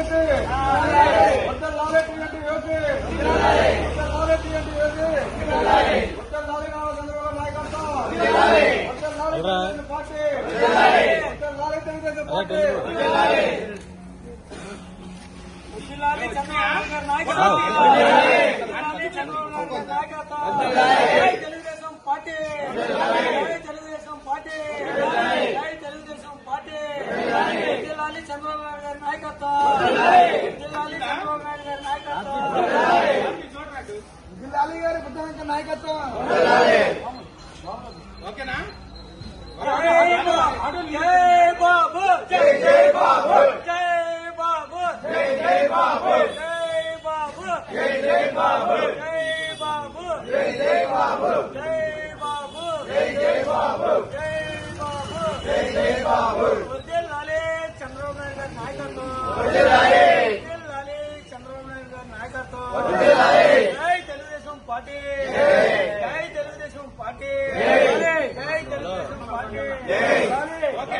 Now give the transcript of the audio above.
Telugu Desam party జిల్లాలి చంద్రబాబు నాయుడు గారి నాయకత్వం జిల్లాలి చంద్రబాబు నాయుడు గారి నాయకత్వం జిల్లాలి గారి బుద్ధవంత నాయకత్వం ఓకేనా జై బాబు జై జై బాబు జై బాబు జై జై బాబు జై బాబు జై జై బాబు జై బాబు జై జై బాబు జై బాబు జై జై బాబు జై బాబు జై జై బాబు